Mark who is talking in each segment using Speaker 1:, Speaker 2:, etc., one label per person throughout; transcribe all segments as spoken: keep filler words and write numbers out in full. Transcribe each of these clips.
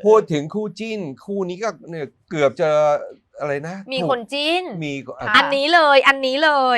Speaker 1: พูดถึงคู่จิ้นคู่นี้ก็เนี่ยเกือบจะอะไรนะ
Speaker 2: มีคนจิ้น
Speaker 1: มี
Speaker 2: อันนี้เลยอันนี้เลย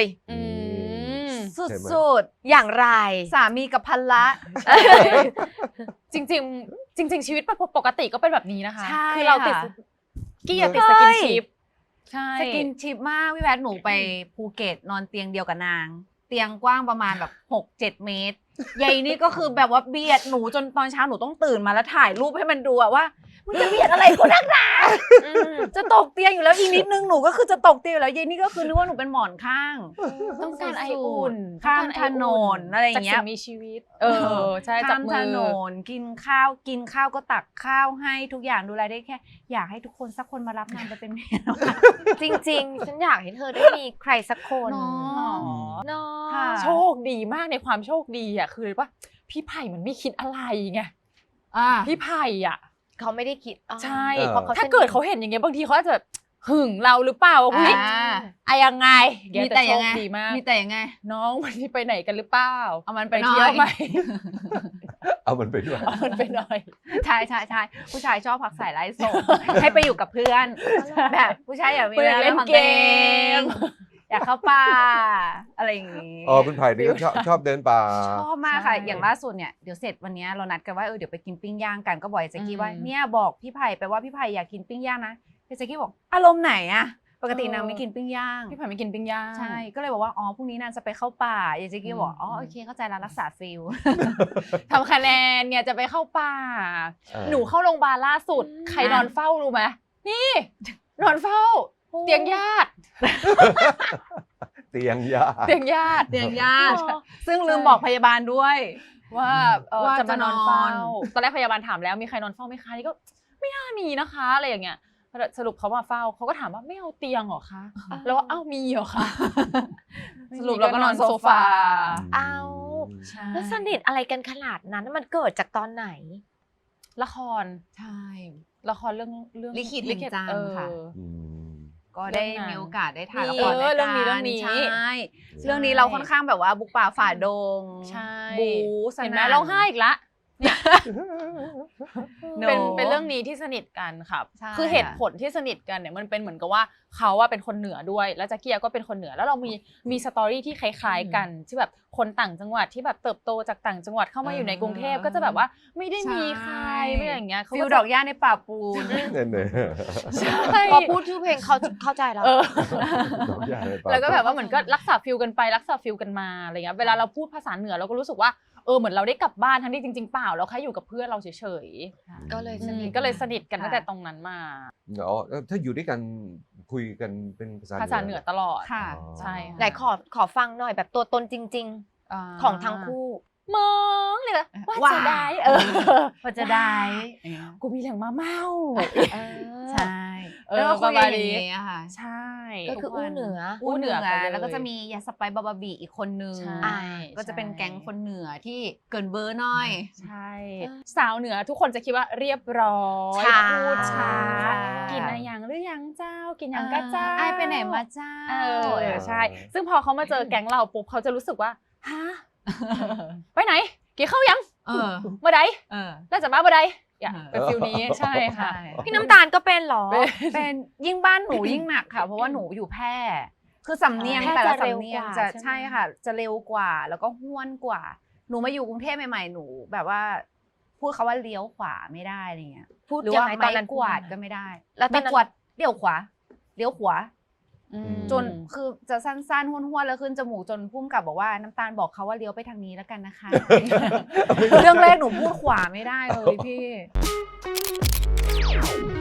Speaker 3: สุด
Speaker 2: ๆอย่างไร
Speaker 3: สามีกับภรรยา
Speaker 4: จริงๆจริงๆชีวิตปกติก็เป็นแบบนี้นะคะ
Speaker 3: คือ
Speaker 4: เราติดกี้ติดสกินชิป
Speaker 3: ใช่สกินชิปมากพี่แพทหนูไปภูเก็ตนอนเตียงเดียวกับนางเตียงกว้างประมาณแบบหกเจ็ดเมตรใหญ่นี่ก็คือแบบว่าเบียดหนูจนตอนเช้าหนูต้องตื่นมาแล้วถ่ายรูปให้มันดูว่ามันจะเบียดอะไรกูนักหนาจะตกเตียงอยู่แล้วอีกนิดนึงหนูก็คือจะตกเตียงอยู่แล้วเย็นนี่ก็คือนึกว่าหนูเป็นหมอนข้าง
Speaker 4: ต้องการไออุ่น
Speaker 3: ข้ามถนนอะไรอย่างเงี้ย
Speaker 4: มีชีวิตเออใช่
Speaker 3: ข้ามถนนกินข้าวกินข้าวก็ตักข้าวให้ทุกอย่างดูแลได้แค่อยากให้ทุกคนสักคนมารับนางไปเป็นเมีย
Speaker 2: จริงๆฉันอยากให้เธอได้มีใครสักคน
Speaker 4: เนาะโชคดีมากในความโชคดีอ่ะคือว่าพี่ไผ่มันไม่คิดอะไรไงพี่ไผ่อ่ะ
Speaker 2: เขาไม่ได้คิด
Speaker 4: ใช่ถ้าเกิดเขาเห็นอย่างเงี้ยบางทีเขาอาจจะหึงเราหรือเปล่าว่าอุ้ยอะยังไง
Speaker 3: มีแต่ยังไงมีแต่ยังไง
Speaker 4: น้องวันนี้ไปไหนกันหรือเปล่า
Speaker 3: เอามันไปเที่ยวไหม
Speaker 1: เอามันไปด้วย
Speaker 4: เอามันไปหน่อย
Speaker 3: ใช่ใช่ใช่ผู้ชายชอบผักใส่ไร้ส่งให้ไปอยู่กับเพื่อนแบบผู้ชายอยากมีเวลาเล่นเกมอยากเข้าป่าอะไรอย่างงี้
Speaker 1: อ๋อคุณไผ่นี่ก็ชอบชอบเดินป่า
Speaker 3: ชอบมากค่ะอย่างล่าสุดเนี่ยเดี๋ยวเสร็จวันนี้เรานัดกันว่าเออเดี๋ยวไปกินปิ้งย่างกันก็บอกเจ๊กี้ว่าเนี่ยบอกพี่ไผ่ไปว่าพี่ไผ่อยากกินปิ้งย่างนะเจ๊กี้บอกอารมณ์ไหนอะปกตินางไม่กินปิ้งย่าง
Speaker 4: พี่ไผ่ไม่กินปิ้งย่าง
Speaker 3: ใช่ก็เลยบอกว่าอ๋อพรุ่งนี้นางจะไปเข้าป่าเจ๊กี้บอกอ๋อโอเคเข้าใจแล้วรักษาฟิล
Speaker 4: ทำคะแนนเนี่ยจะไปเข้าป่าหนูเข้าโรงพยาบาลล่าสุดใครนอนเฝ้ารู้ไหมนี่นอนเฝ้าเตียงญาติ
Speaker 1: เตียงญาติ
Speaker 4: เตียงญาติ
Speaker 3: เตียงญาติซึ่งลืมบอกพยาบาลด้วย
Speaker 4: ว่าจะมานอนเฝ้าตอนแรกพยาบาลถามแล้วมีใครนอนเฝ้าไหมคะนี่ก็ไม่น่ามีนะคะอะไรอย่างเงี้ยสรุปเขามาเฝ้าเขาก็ถามว่าไม่เอาเตียงหรอคะแล้วว่าเอ้ามีเหรอคะ
Speaker 3: สรุปเราก็นอนโซฟา
Speaker 2: เอาแล้วสนิทอะไรกันขนาดนั้นมันเกิดจากตอนไหน
Speaker 4: ละคร
Speaker 3: ใช่
Speaker 4: ละครเรื่องเรื่อง
Speaker 3: ลิขิตแห่งจันทร์ค่ะก็ได้มีโอกาสได้ถ่ายละคร
Speaker 4: เรื่องนี้เรื่องนี้
Speaker 3: ใช่เรื่องนี้เราค่อนข้างแบบว่าบุกป่าฝ่าดงบู๊
Speaker 4: เห็นไหมร้องไห้อีกละเนี่ยเป็นเป็นเรื่องนี้ที่สนิทกันครับคือเหตุผลที่สนิทกันเนี่ยมันเป็นเหมือนกับว่าเขาว่าเป็นคนเหนือด้วยแล้วแจ็คกี้ก็เป็นคนเหนือแล้วเรามีมีสตอรี่ที่คล้ายๆกันที่แบบคนต่างจังหวัดที่แบบเติบโตจากต่างจังหวัดเข้ามาอยู่ในกรุงเทพก็จะแบบว่าไม่ได้มีใครไม่อย่างเงี้ย
Speaker 3: ฟิลดอกหญ้าในป่าปูน
Speaker 2: พอพูดชื่อเพลงเขาเข้าใจแล้ว
Speaker 4: แล้วก็แบบว่าเหมือนก็รักษาฟิลกันไปรักษาฟิลกันมาอะไรเงี้ยเวลาเราพูดภาษาเหนือเราก็รู้สึกว่าเออเหมือนเราได้กลับบ้านทั้งที่จริงๆเปล่าเราแค่อยู่กับเพื่อนเราเฉย
Speaker 2: ๆก็เลยสนิท
Speaker 4: ก็เลยสนิทกันตั้งแต่ตรงนั้นมา
Speaker 1: อ๋อถ้าอยู่ด้วยกันคุยกันเป็นภาษา
Speaker 4: ภาษาเหนือตลอด
Speaker 3: ค่ะ
Speaker 4: ใช่
Speaker 2: ไหนขอขอฟังหน่อยแบบตัวตนจริงๆของทั้งคู่
Speaker 4: มองเลยว่าจะได้เออ
Speaker 3: ว่าจะได้
Speaker 4: กูมีแหล่งมาเมา
Speaker 3: ใช่แล้วก็คุยอย่างนี้ค่ะ
Speaker 4: ใช่
Speaker 2: ก็คืออู้เหนือ
Speaker 3: อู้เหนือแล้วก็จะมียาสไปบาบาบีอีกคนนึงก็จะเป็นแก๊งคนเหนือที่เกินเบอร์หน่อย
Speaker 4: ใช่สาวเหนือทุกคนจะคิดว่าเรียบร้อยพูดช้ากินอะไรยังหรือยังเจ้ากินยังก็เจ้า
Speaker 3: ไอไปไหนมาเจ้า
Speaker 4: เออใช่ซึ่งพอเขามาเจอแก๊งเราปุ๊บเขาจะรู้สึกว่าฮะไปไหนกี่เข้ายัง
Speaker 3: เออ
Speaker 4: เมื่อใดเออแล้วจะมาเมื่อใดเป็นฟิลนี้ใช่ค่ะ
Speaker 2: พี่น้ำตาลก็เป็นหรอ
Speaker 3: เป็นยิ่งบ้านหนูยิ่งหนักค่ะเพราะว่าหนูอยู่แพร่คือสำเนียงแต่ละสำเนียงจะใช่ค่ะจะเร็วกว่าแล้วก็ห้วนกว่าหนูมาอยู่กรุงเทพใหม่ๆหนูแบบว่าพูดคำว่าเลี้ยวขวาไม่ได้อะไรเงี้ย
Speaker 2: พูด
Speaker 3: หรือว่าไม้กวาดก็ไม่ได้แล้วตอนกวาดเลี้ยวขวาเลี้ยวขวาจนคือจะสั้นๆห้วนๆแล้วขึ้นจมูกจนพุ่มกับบอกว่าน้ำตาลบอกเขาว่าเลี้ยวไปทางนี้แล้วกันนะคะเรื่องแรกหนูพูดขวาไม่ได้เลยพี่